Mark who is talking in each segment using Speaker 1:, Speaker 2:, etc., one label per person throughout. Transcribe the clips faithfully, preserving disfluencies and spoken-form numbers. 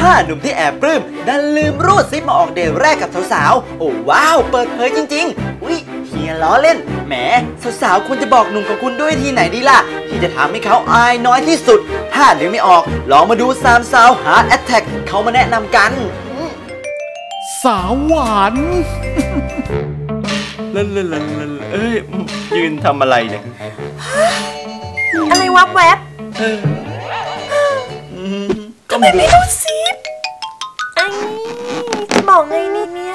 Speaker 1: ถ้าหนุ่มที่แอบปลื้มดันลืมรูดซิปมาออกเดทแรกกับสาวๆโอ้ว้าวเปิดเผยจริงๆอุ๊ยเฮียล้อเล่นแหมสาวๆควรจะบอกหนุ่มของคุณด้วยทีไหนดีล่ะที่จะทำให้เขาอายน้อยที่สุดถ้านึกไม่ออกลองมาดูสามสาวฮาร์ดแอทแทกเขามาแนะนำกัน
Speaker 2: สาวหวาน
Speaker 1: ลันลันลันลันเอ้ยยืนทำอะไรเนี่ย
Speaker 3: อะไรวับแวบ
Speaker 1: ก็
Speaker 3: ไม่ไม่รู้สิไอ้จะบอกไงนี่เนี่ย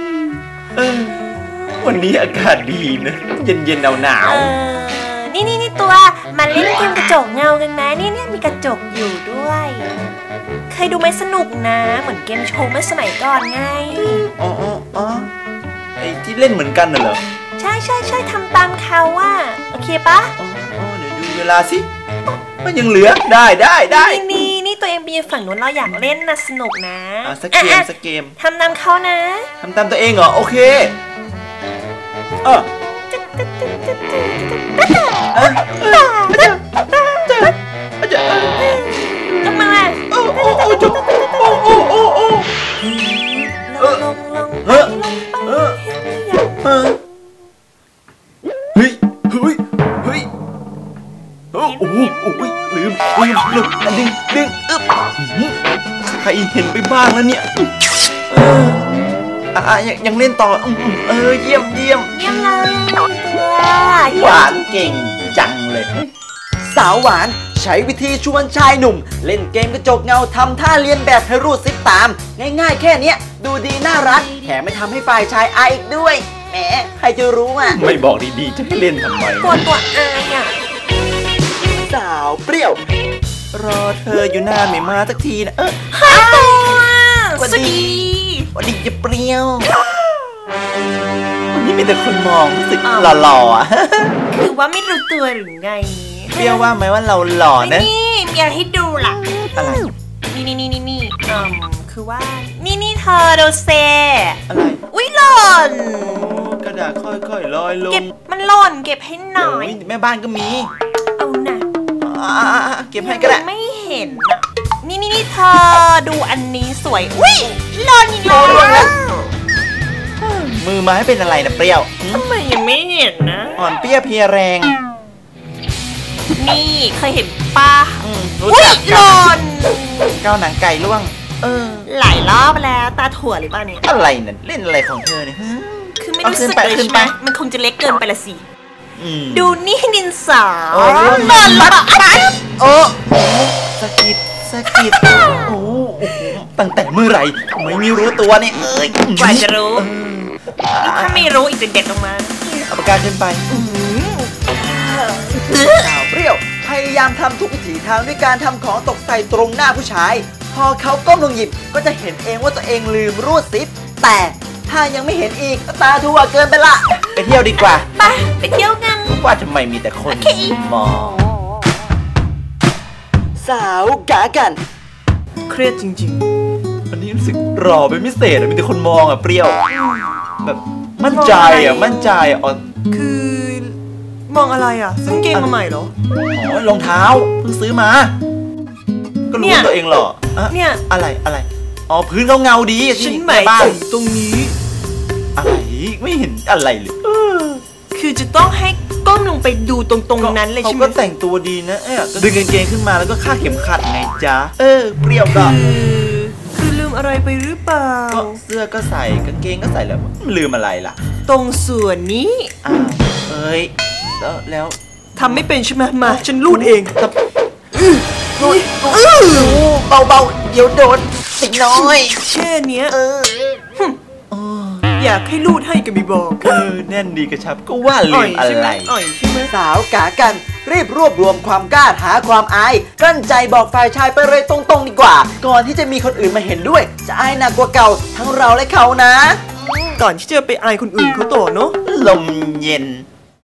Speaker 1: วันนี้อากาศดีนะเย็นเย็นหนาวหนาว
Speaker 3: นี่นี่นี่ตัวมาเล่นเกมกระจกเงากันนะนี่เนี่ยมีกระจกอยู่ด้วยเคยดูไหมสนุกนะเหมือนเกมโชว์เมื่อสมัยก่อนไง
Speaker 1: อ๋ออ๋อไอ้ที่เล่นเหมือนกันน่ะเหรอ
Speaker 3: ใช่ใช่ใช่ทำตามเขาว่าโอเคปะ
Speaker 1: อ๋อเดี๋ยวดูเวลาสิมันยังเหลือได้ได้ได้
Speaker 3: นี่นี่ตัวเองไปยืนฝั่งนู้นเราอยากเล่นนะสนุกนะ
Speaker 1: อ่ะสักเกมสักเกม
Speaker 3: ทำตามเขานะ
Speaker 1: ทำตามตัวเองเหรอโอเคเออ
Speaker 3: ทำไมล่ะ
Speaker 1: โอ้โอ้โอ้จุ๊บโอ้โอ้โอ้โอ้
Speaker 3: ลงลงลงเออเออ
Speaker 1: เออเฮ้ยเฮ้ยเฮ้ยโอ้โหโอ้ยลืมลืมลืมดึงดึงอึ๊บใครเห็นไปบ้างแล้วเนี่ยเอออ่ะยังยังเล่นต่อเออเยี่ยมเยี่ยม
Speaker 3: เยี่ยมเลย
Speaker 1: หวานเก่งจังเลยสาวหวานใช้วิธีชวนชายหนุ่มเล่นเกมกระจกเงาทำท่าเลียนแบบให้รูดซิปตามง่ายๆแค่นี้ดูดีน่ารักแถมไม่ทำให้ฝ่ายชายอายอีกด้วยแหมใครจะรู้อ่ะไม่บอกดีๆจะให้เล่นทำไม
Speaker 3: กลัวตัวอายอ่ะ
Speaker 1: สาวเปรี้ยวรอเธออยู่นานไม่มาสักทีนะเออ
Speaker 3: ฮายตัวสวัสดี
Speaker 1: วันนี้จะเปรี้ยววันนี้มีแต่คนมองรู้สึกหล่อๆ
Speaker 3: คือว่าไม่รู้ตัวหรือไง
Speaker 1: เปรี้ยวว่าไหมว่าเราหล่อนะ
Speaker 3: นี่มีอะไรให้ดูล่ะ
Speaker 1: อะไร
Speaker 3: นี่นี่นี่นี่นี่อืมคือว่านี่นี่เธอดูเซ
Speaker 1: อะไร
Speaker 3: อุ้ยหล่น
Speaker 1: กระดาษค่อยๆลอยลง
Speaker 3: เก็บมันหล่นเก็บให้หน่อย
Speaker 1: แม่บ้านก็มี
Speaker 3: เอาหน่ะ
Speaker 1: เก็บให้ก็ได้
Speaker 3: ไม่เห็นอ่ะนี่นี่นี่เธอดูอันนี้สวยอุ้ยหล่นอีกแล้ว
Speaker 1: มือไม้เป็นอะไรนะเปรี้ยว
Speaker 3: ทำไมยังไม่เห็นนะ
Speaker 1: อ่อนเปรี้ยวเพียแรง
Speaker 3: นี่เคยเห็นป้า
Speaker 1: รู้จัก
Speaker 3: หล่น
Speaker 1: เกาหนังไก่ล่วงเออ
Speaker 3: หลายรอบแล้วตาถั่วหรือเปล่าเนี่ย
Speaker 1: อะไรนั่นเล่นอะไรของเธอเนี่ย
Speaker 3: คือไม่รู้สึกเลยใช่ไหมมันคงจะเล็กเกินไปละสิดูนี่ดินสอหล่นแล้วอะไร
Speaker 1: โอ้สกิดสกิดโอ้ตั้งแต่เมื่อไหร่ไม่มีรู้ตัวเนี่ยเอ้ย
Speaker 3: กว่าจะรู้ถ้าไม่รู้อีกจะเด็ดออกมา
Speaker 1: เอาปากกาขึ้นไปสาวเปรี้ยวพยายามทำทุกวิถีทางด้วยการทำของตกใส่ตรงหน้าผู้ชายพอเขาก้มลงหยิบก็จะเห็นเองว่าตัวเองลืมรูดซิปแต่ถ้ายังไม่เห็นอีกตาทั่วเกินไปละไปเที่ยวดีกว่า
Speaker 3: ไปไปเที่ยวกัน
Speaker 1: ว่าทำไมมีแต่คนมองสาวกากันเครียดจริงๆอันนี้รู้สึกรอเป็นพิเศษมีแต่คนมองอ่ะเปรี้ยวแบบมั่นใจอ่ะมั่นใจอ่ะ
Speaker 3: คือมองอะไรอ่ะซื้อเกงมาใหม่เหรอ
Speaker 1: อ๋อรองเท้าเพิ่งซื้อมาก็รู้ว่าตัวเองหรอ
Speaker 3: เนี่ย
Speaker 1: อะไรอะไรอ๋อพื้นเขาเงาดี
Speaker 3: ฉันหมายถึงตรงนี้
Speaker 1: อะไรไม่เห็นอะไรเลย
Speaker 3: คือจะต้องให้ก้มลงไปดูตรงๆนั้นเลยใช่ไหม
Speaker 1: เขาก็แต่งตัวดีนะเอ๊ะดึงกางเกงขึ้นมาแล้วก็คาดเข็มขัดไงจ๊ะเออเปรี้ยวก็
Speaker 3: คือลืมอะไรไปหรือเปล่า
Speaker 1: ก็เสื้อก็ใส่กางเกงก็ใส่แล้วลืมอะไรล่ะ
Speaker 3: ตรงส่วนนี้
Speaker 1: อ้าวเอ้ยแล้วแล้ว
Speaker 3: ทำไม่เป็นใช่ไหมมาฉันรูดเอง
Speaker 1: รูดเบาๆเดี๋ยวโดนติดน้อย
Speaker 3: แค่เนี้ยเอออยากให้รูดให้ก็ไม่บอก
Speaker 1: เออแน่นดีกระชับก็ว่าลืมอะไร
Speaker 3: อ่อยใช่ไหม
Speaker 1: สาวกากันรีบรวบรวมความกล้าหาความอายกลั้นใจบอกฝ่ายชายไปเลยตรงๆดีกว่าก่อนที่จะมีคนอื่นมาเห็นด้วยจะอายหนักกว่าเก่าทั้งเราและเขานะ
Speaker 3: ก่อนที่จะไปอายคนอื่นเขาต่อเนาะ
Speaker 1: ลมเย็น